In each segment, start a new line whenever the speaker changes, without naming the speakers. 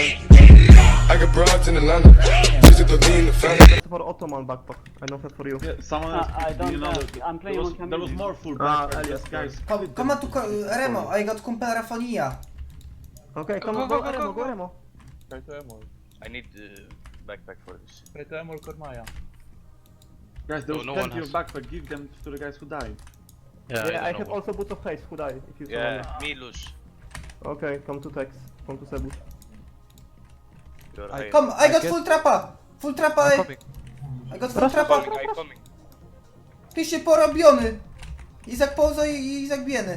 I got broads in Atlanta. Visit the lean, the family.
That's for Ottoman backpack. I know that for you.
Yeah, someone else.
I don't
you know,
have. I'm playing on
there was
Camille.
more full
Ah,
backpack,
Elias,
guys.
Come on to Remo, I got kumpel Rafonia.
Okay, come
Go,
on,
go,
go,
go,
Remo,
go,
go
go.
Remo.
Try to Emol.
I need backpack for this.
Try to Emol Kormaja.
Guys, there was
No one
plenty of
has.
backpack. Give them to the guys who died.
Yeah,
Yeah, I
don't
have
know what-
also boots of haste. Who died? If you
Yeah, me lose.
Okay, come to Tex. Come to Sebus.
You're
I-
high.
Come, I got
get-
full trapa. Full trapa,
I'm coming.
I got full trapa.
I'm coming.
Ty się porobiony. Izak Pouzo i Izak Bieny.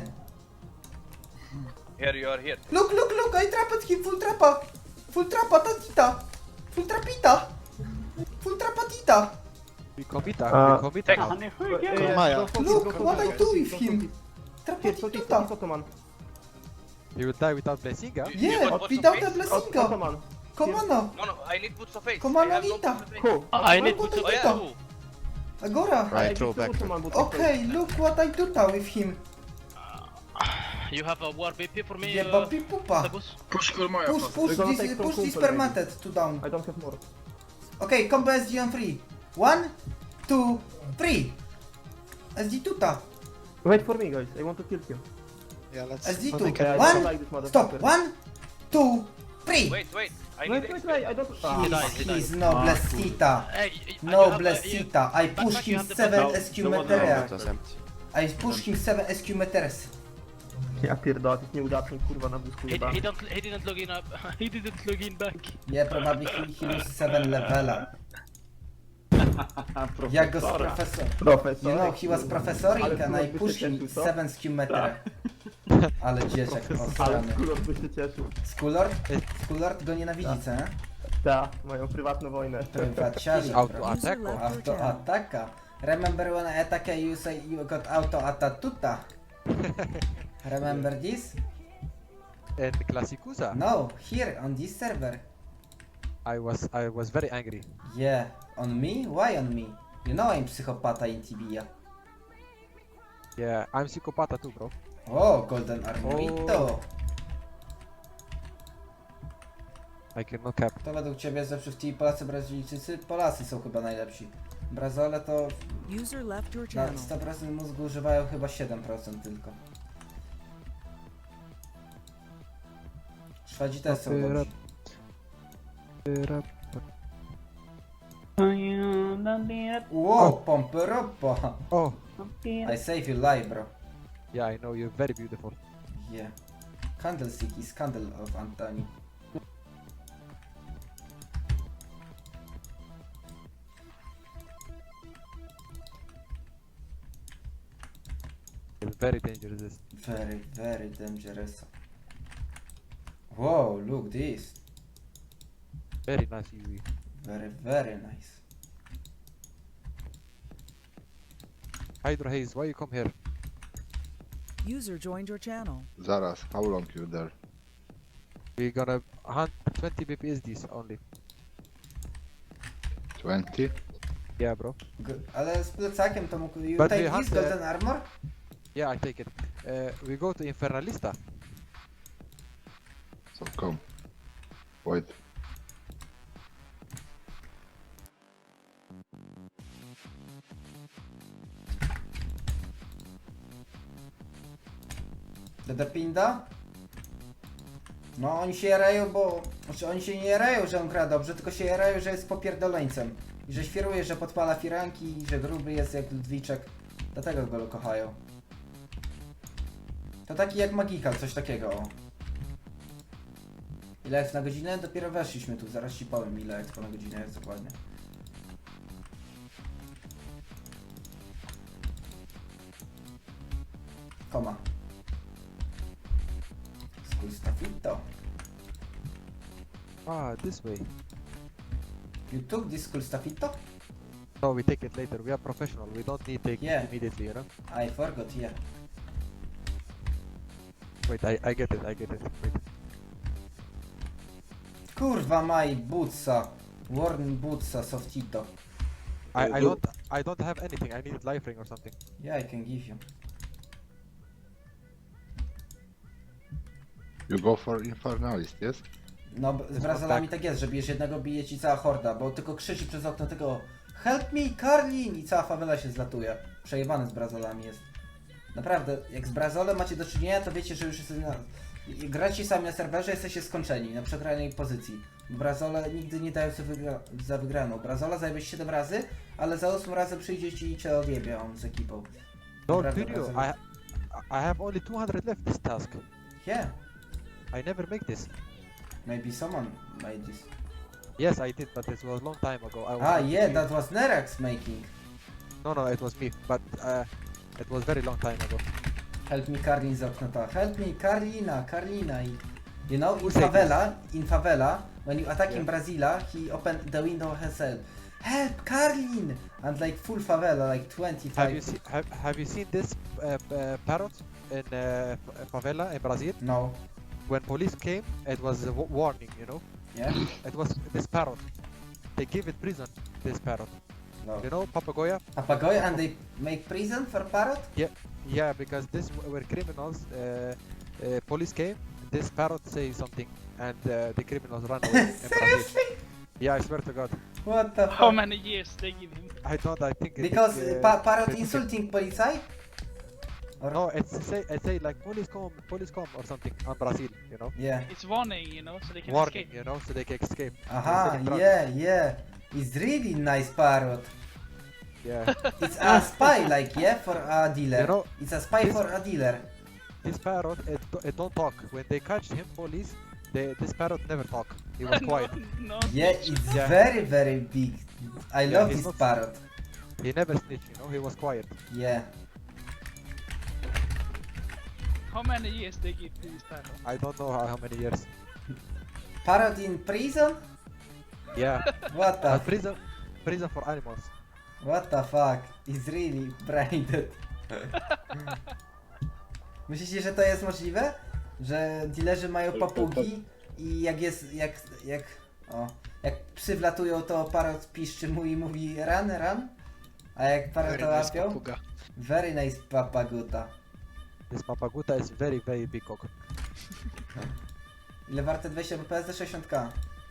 Here you are here.
Look, I trapped him, full trapa. Full trapa, tatita. Full trapita. Full trapatita.
We commita,
Ah.
we commita
Tex.
now.
Honey,
Yeah,
Look what I do with him.
Here, so this
Trapatituta.
Ottoman.
He will die without blessing, huh?
You
Yeah,
got boots of
without
haste?
a blessinga.
Ottoman.
Come on.
No, I need boots of haste.
Come on,
I have no
Anita.
boots of haste.
Who?
I need
What
boots of
I
haste.
do? Agora.
I give to Ottoman boots of haste.
Okay, look what I do with him.
You have a war BP for me,
Jeba pipupa.
Sebus?
Push
We're gonna take
this,
some
push this
kumpel,
permanent to down.
I don't have more.
Okay, combo SG on 3. 1, 2, 3. SG tuta.
Wait for me, guys. I want to kill him.
Yeah, let's...
SG
I
2.
don't
1,
like this motherfucker.
stop. 1, 2, 3.
Wait. I need
Wait,
XP.
I don't.
He's no blessita.
Hey,
No blessita. I push him 7
No,
SQ
the one
meteria.
that-
I push him 7 SQ meters.
Ja pierdolę, jest nieudacznik, kurwa, na wózku
He
jebany.
didn't log in up. He didn't log in back.
Yeah, probably he lose 7 levela. Jak go z profesor.
Profesor.
You know, he was professoring
Ale
and I
kurwa,
push him
by się cieszył, co?
7 SQ meter. Ale dzieciak
Ale
posrany.
kurwa by się cieszył.
Skulord go nienawidzi, co nie?
Ta, moją prywatną wojnę.
Prywaciarz.
Auto attack.
Auto ataka. Remember when I attack you say you got auto atatuta? Remember this?
And Classicusa.
No, here on this server.
I was very angry.
Yeah, on me? Why on me? You know I'm psychopata in Tibia.
Yeah, I'm Psychopata too, bro.
O, Golden Armorito.
I cannot cap.
To według ciebie zawsze w tej Polacy, Brazylijczycy? Polacy są chyba najlepsi. Brazole to
User left your
na
channel.
100% mózgu używają chyba 7% tylko. Szwadzi też są dobrzy. Wow, pompy ropa.
Oh,
I save you life, bro.
yeah, I know you're very beautiful.
Yeah. Candlestick is candle of Antoni.
It's very dangerous. This.
Very, very dangerous. Whoa, look this.
Very nice UV.
Very, very nice.
Hydro Haze, why you come here?
User joined your channel.
Zaraz, how long you there?
We're gonna hunt 20 BPSDs only.
20?
Yeah, bro.
Ale z plecakiem to mógł... You
But
take
we
this
have the-
golden armor?
Yeah, I take it. We go to Infernalista.
So come. Wait.
Dedepinda? No oni się jarają, bo... Znaczy oni się nie jarają, że on gra dobrze, tylko się jarają, że jest popierdoleńcem. I że świruje, że podpala firanki, i że gruby jest jak Ludwiczek. Dlatego go kochają. To taki jak Magikal, coś takiego, o. Ile jest na godzinę? Dopiero weszliśmy tu, zaraz ci powiem ile expo na godzinę jest dokładnie. Koma. Stafito.
Ah, this way.
You took this cool stafito?
No, we take it later. We are professional. We don't need take
Yeah.
it immediately, you know?
I forgot, yeah.
Wait, I get it. Wait.
Kurwa maj, Butsa. Warren Butsa, Softito.
I don't have anything. I need life ring or something.
Yeah, I can give you.
You go for Infernalist, yes?
No, z Brazylami tak jest, że bijesz jednego, bije ci cała horda, bo tylko krzyczy przez okno tego Help me, Karlin! I cała fawela się zlatuje. Przejebany z Brazylami jest. Naprawdę, jak z Brazolem macie do czynienia, to wiecie, że już jest gracie sami na serwerze, jesteście skończeni na przegranej pozycji. Brazole nigdy nie dają sobie za wygraną. Brazola zajmie 7 razy, ale za 8 razem przyjdzie ci i cię odjebie on z ekipą.
No,
Naprawdę,
video.
Brazol-
I have only 200 left this task.
Yeah,
I never make this.
maybe someone made this.
Yes, I did, but it was a long time ago. I was
Ah,
not
yeah,
me.
that was Nerax making.
No, it was me, but it was very long time ago.
Help me Karlin z okna to. Help me Karlina i... You know,
Who said
in favela, when you attacking
Yeah.
Brazila, he opened the window himself. Help Karlin! And like full favela, like 25.
Have you seen this parrot in favela in Brazil?
No.
When police came, it was a warning, you know.
Yeah?
It was this parrot. They give it prison. This parrot,
No.
you know, Papagoya.
Papagoy and they make prison for parrot?
Yeah, because this were criminals. Police came. This parrot say something, and the criminals ran away. in Brazil.
Seriously?
Yeah, I swear to God.
What the
How
fuck?
many years they give him?
I don't. I think it
Because
is,
parrot
20.
insulting police? Or...
No, it say like police come or something on Brazil, you know.
Yeah.
It's warning, you know, so they can
Warning,
escape.
you know, so they can escape.
Aha,
Instead of
yeah. It's really nice parrot.
Yeah.
It's a spy, like, yeah, for a dealer.
You know,
It's a spy
this-
for a dealer.
This parrot, it don't talk. When they catch him, police, this parrot never talk. He was quiet.
No,
Yeah, it's
Yeah.
very, very big. I
Yeah,
love
he's
this
not-
parrot.
He never snitch, you know. He was quiet.
Yeah.
how many years they give to this parrot?
I don't know how many years.
Parrot in prison?
Yeah.
What the
But prison for animals.
What the fuck? It's really brained. Myślicie, że to jest możliwe? Że dealerzy mają papugi i jak jest, jak psy wlatują, to parrot piszczy mu i mówi run? A jak parrota łapią? Very nice papaguta.
This papaguta is very, very big cock.
Ile warte 20 BPS za 60k?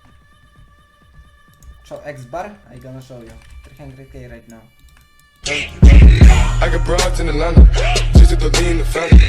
Show X bar? I gonna show you. 300k right now.
I got broads in Atlanta. Just to lean the family.